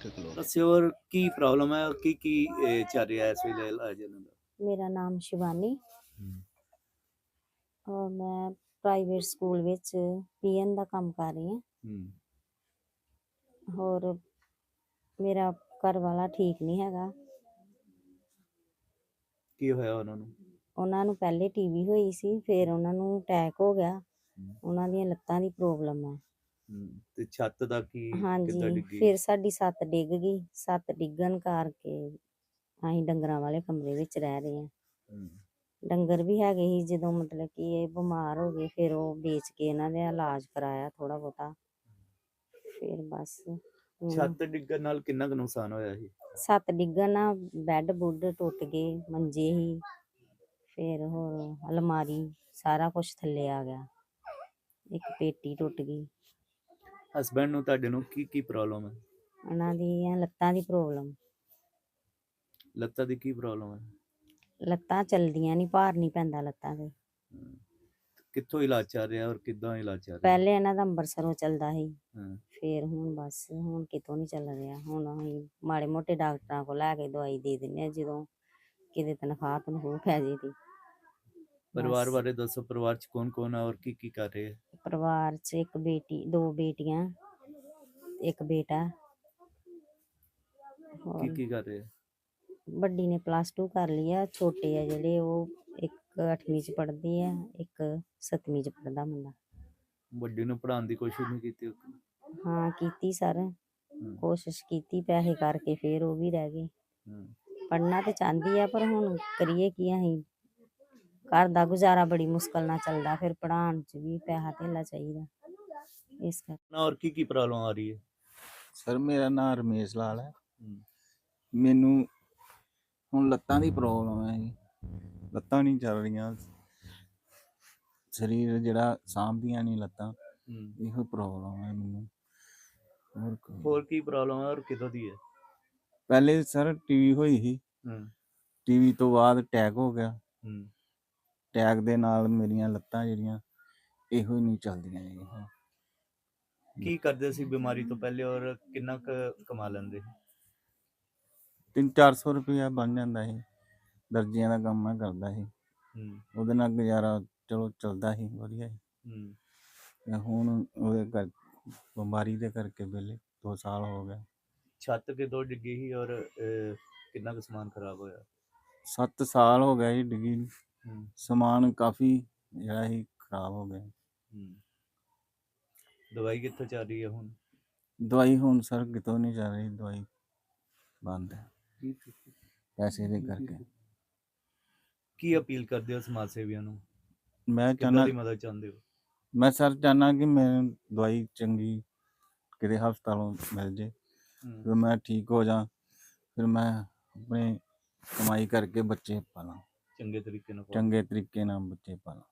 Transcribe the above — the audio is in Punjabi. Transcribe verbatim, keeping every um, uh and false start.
ਠੀਕ ਲੋ ਦੱਸਿਓ ਹੋਰ ਕੀ ਪ੍ਰੋਬਲਮ ਹੈ, ਕੀ ਕੀ ਇਹ ਚੱਲ ਰਿਹਾ ਇਸ ਵੇਲੇ ਇਲਾਜ ਇਹਨਾਂ ਦਾ? ਮੇਰਾ ਨਾਮ ਸ਼ਿਵਾਨੀ ਹੂੰ। ਔਰ ਮੈਂ ਪ੍ਰਾਈਵੇਟ ਸਕੂਲ ਵਿੱਚ ਪੀਐਨ ਦਾ ਕੰਮ ਕਰ ਰਹੀ ਹਾਂ। ਹੂੰ। ਹੋਰ ਮੇਰਾ ਘਰ ਵਾਲਾ ਠੀਕ ਨਹੀਂ ਹੈਗਾ। ਕੀ ਹੋਇਆ ਉਹਨਾਂ ਨੂੰ? ਉਹਨਾਂ ਨੂੰ ਪਹਿਲੇ ਟੀਵੀ ਹੋਈ ਸੀ, ਫਿਰ ਉਹਨਾਂ ਨੂੰ ਅਟੈਕ ਹੋ ਗਿਆ। ਹੂੰ। ਉਹਨਾਂ ਦੀਆਂ ਲੱਤਾਂ ਦੀ ਪ੍ਰੋਬਲਮ ਹੈ। ਹੂੰ ਤੇ ਛੱਤ ਦਾ ਕੀ ਕਿੱਦਾਂ ਹਾਂਜੀ, ਡਿੱਗੀ? ਫਿਰ ਸਾਡੀ ਛੱਤ ਡਿੱਗ ਗਈ। ਛੱਤ ਡਿੱਗਣ ਕਰਕੇ ਅਸੀਂ ਡੰਗਰਾਂ ਵਾਲੇ ਕਮਰੇ ਵਿੱਚ ਰਹਿ ਰਹੇ ਹਾਂ। ਹੂੰ। ਡੰਗਰ ਵੀ ਹੈਗੇ ਸੀ, ਜਦੋਂ ਮਤਲਬ ਕਿ ਇਹ ਬਿਮਾਰ ਹੋ ਗਏ ਫਿਰ ਉਹ ਵੇਚ ਕੇ ਇਹਨਾਂ ਦਾ ਇਲਾਜ ਕਰਾਇਆ ਥੋੜ੍ਹਾ ਬਹੁਤਾ। ਫਿਰ ਬਸ ਹੁਣ ਛੱਤ ਡਿੱਗਣ ਨਾਲ ਕਿੰਨਾ ਕੁ ਨੁਕਸਾਨ ਹੋਇਆ ਸੀ? ਛੱਤ ਡਿੱਗਣ ਨਾਲ ਬੈੱਡ ਬੁੱਡ ਟੁੱਟ ਗਏ, ਮੰਜੇ ਸੀ, ਫਿਰ ਹੋਰ ਅਲਮਾਰੀ ਸਾਰਾ ਕੁਛ ਥੱਲੇ ਆ ਗਿਆ। ਇੱਕ ਪੇਟੀ ਟੁੱਟ ਗਈ। ਹਸਬੈਂਡ ਨੂੰ ਤੁਹਾਡੇ ਨੂੰ ਕੀ ਕੀ ਪ੍ਰੋਬਲਮ ਹੈ? ਉਹਨਾਂ ਦੀਆਂ ਲੱਤਾਂ ਦੀ ਪ੍ਰੋਬਲਮ। ਲੱਤਾਂ ਦੀ ਕੀ ਪ੍ਰੋਬਲਮ ਹੈ? ਲੱਤਾਂ ਚੱਲਦੀਆਂ ਨਹੀਂ, ਭਾਰ ਨਹੀਂ ਪੈਂਦਾ ਲੱਤਾਂ 'ਤੇ। ਹੂੰ। ਕਿੱਥੋਂ ਇਲਾਜ ਚੱਲ ਰਿਹਾ ਔਰ ਕਿੱਦਾਂ ਇਲਾਜ ਚੱਲ ਰਿਹਾ? ਪਹਿਲੇ ਇਹਨਾਂ ਦਾ ਅੰਬਰਸਰੋਂ ਚੱਲਦਾ ਸੀ, ਹਾਂ। ਫਿਰ ਹੁਣ ਬਸ ਹੁਣ ਕਿਤੋਂ ਨਹੀਂ ਚੱਲ ਰਿਹਾ। ਹੁਣ ਅਸੀਂ ਮਾੜੇ ਮੋਟੇ ਡਾਕਟਰਾਂ ਕੋਲ ਲੈ ਕੇ ਦਵਾਈ ਦੇ ਦਿੰਦੇ ਹਾਂ, ਜਦੋਂ ਕਿਤੇ ਤਨਖਾਹ ਤਨਖੂਹ ਪੈ ਜੇ ਤੇ। ਪਰਿਵਾਰ ਬਸ ਬਾਰੇ ਦੱਸੋ, ਪਰਿਵਾਰ ਚ ਕੌਣ ਕੌਣ ਹੈ ਔਰ ਕੀ ਕੀ ਕਰ ਰਹੇ ਹੈ? ਪਰਿਵਾਰ 'ਚ ਇੱਕ ਬੇਟੀ, ਦੋ ਬੇਟੀਆਂ, ਇੱਕ ਬੇਟਾ। ਕੀ ਹੋਰ ਕੀ ਕਰ ਰਹੇ ਹੈ? ਵੱਡੀ ਨੇ ਪਲੱਸ ਟੂ ਕਰ ਲਈ ਆ, ਛੋਟੇ ਆ ਜਿਹੜੇ ਉਹ ਇੱਕ ਅੱਠਵੀਂ 'ਚ ਪੜ੍ਹਦੀ ਆ, ਇੱਕ ਸੱਤਵੀਂ 'ਚ ਪੜ੍ਹਦਾ ਮੁੰਡਾ। ਵੱਡੀ ਨੂੰ ਪੜ੍ਹਾਉਣ ਦੀ ਕੋਸ਼ਿਸ਼ ਨਹੀਂ ਕੀਤੀ? ਹਾਂ ਕੀਤੀ ਸਰ, ਹੂੰ। ਕੋਸ਼ਿਸ਼ ਕੀਤੀ, ਪੈਸੇ ਕਰਕੇ ਫਿਰ ਉਹ ਵੀ ਰਹਿ ਗਏ। ਹੂੰ। ਪੜ੍ਹਨਾ ਤੇ ਚਾਹੁੰਦੀ ਆ ਪਰ ਹੁਣ ਕਰੀਏ ਕੀ ਅਸੀਂ, ਘਰ ਦਾ ਗੁਜ਼ਾਰਾ ਬੜੀ ਮੁਸ਼ਕਲ ਨਾਲ ਚੱਲਦਾ, ਫਿਰ ਪੜ੍ਹਾਉਣ 'ਚ ਵੀ ਪੈਸਾ ਧੇਲਾ ਚਾਹੀਦਾ, ਇਸ ਕਰਕੇ। ਔਰ ਕੀ ਕੀ ਪ੍ਰੋਬਲਮ ਆ ਰਹੀ ਹੈ? ਸਰ ਮੇਰਾ ਨਾਮ ਰਮੇਸ਼ ਲਾਲ ਹੈ। ਹੂੰ। ਮੈਨੂੰ ਹੁਣ ਲੱਤਾਂ ਦੀ ਪ੍ਰੋਬਲਮ ਹੈ ਜੀ, ਲੱਤਾਂ ਨਹੀਂ ਚੱਲ ਰਹੀਆਂ, ਸਰੀਰ ਜਿਹੜਾ ਸਾਂਭਦੀਆਂ ਨਹੀਂ ਲੱਤਾਂ, ਹੂੰ। ਇਹੋ ਪ੍ਰੋਬਲਮ ਹੈ ਮੈਨੂੰ। ਹੋਰ ਕੋਈ ਹੋਰ ਕੀ ਪ੍ਰੋਬਲਮ ਹੈ ਔਰ ਕਿਦੋਂ ਦੀ ਹੈ? ਪਹਿਲੇ ਸਰ ਟੀਵੀ ਹੋਈ ਸੀ, ਹੂੰ। ਟੀਵੀ ਤੋਂ ਬਾਅਦ ਅਟੈਕ ਹੋ ਗਿਆ। ਹੂੰ। ਅਟੈਕ ਦੇ ਨਾਲ ਮੇਰੀਆਂ ਲੱਤਾਂ ਜਿਹੜੀਆਂ ਇਹੋ ਹੀ ਨਹੀਂ ਚੱਲਦੀਆਂ ਜੀ ਹੁਣ। ਕੀ ਕਰਦੇ ਸੀ ਬਿਮਾਰੀ ਤੋਂ ਪਹਿਲੇ ਔਰ ਕਿੰਨਾ ਕੁ ਕਮਾ ਲੈਂਦੇ? ਤਿੰਨ ਚਾਰ ਸੌ ਰੁਪਇਆ ਬਣ ਜਾਂਦਾ ਸੀ। ਦਰਜੀਆਂ ਦਾ ਕੰਮ ਮੈਂ ਕਰਦਾ ਸੀ, ਹੂੰ। ਉਹਦੇ ਨਾਲ ਗੁਜ਼ਾਰਾ ਚਲੋ ਚੱਲਦਾ ਸੀ ਵਧੀਆ ਸੀ। ਹੂੰ। ਤੇ ਹੁਣ ਉਹਦੇ ਕਰ ਬਿਮਾਰੀ ਦੇ ਕਰਕੇ ਵਿਹਲੇ ਦੋ ਸਾਲ ਹੋ ਗਏ। ਛੱਤ ਕਿਦੋਂ ਡਿੱਗੀ ਸੀ ਔਰ ਅਹ, ਕਿੰਨਾ ਕੁ ਸਮਾਨ ਖਰਾਬ ਹੋਇਆ? ਸੱਤ ਸਾਲ ਹੋ ਗਿਆ ਜੀ ਡਿੱਗੀ ਨੂੰ। ਹੂੰ। ਸਮਾਨ ਕਾਫੀ ਜਿਹੜਾ ਸੀ ਖਰਾਬ ਹੋ ਗਿਆ। ਹੂੰ। ਦਵਾਈ ਕਿੱਥੋਂ ਚੱਲ ਰਹੀ ਹੈ ਹੁਣ? ਦਵਾਈ ਹੁਣ ਸਰ ਕਿਤੋਂ ਨਹੀਂ ਚੱਲ ਰਹੀ, ਦਵਾਈ ਬੰਦ ਹੈ ਪੈਸੇ ਦੇ ਕਰਕੇ। ਕੀ ਅਪੀਲ ਕਰਦੇ ਹੋ ਸਮਾਜ ਸੇਵੀਆਂ ਨੂੰ? ਮੈਂ ਕਿੱਦਾਂ ਚਾਹੁੰਦਾ, ਦੀ ਮਦਦ ਚਾਹੁੰਦੇ ਹੋ? ਮੈਂ ਸਰ ਚਾਹੁੰਦਾ ਕਿ ਮੈਨੂੰ ਦਵਾਈ ਚੰਗੀ ਕਿਤੇ ਹਸਪਤਾਲੋਂ ਮਿਲ ਜੇ, ਹੂੰ। ਫਿਰ ਮੈਂ ਠੀਕ ਹੋ ਜਾ, ਫਿਰ ਮੈਂ ਆਪਣੇ ਕਮਾਈ ਕਰਕੇ ਬੱਚੇ ਪਾਲਾਂ, ਚੰਗੇ ਤਰੀਕੇ ਨਾਲ ਪਾਲੋ। ਚੰਗੇ ਤਰੀਕੇ ਨਾਲ ਬੱਚੇ ਪਾਲਾਂ।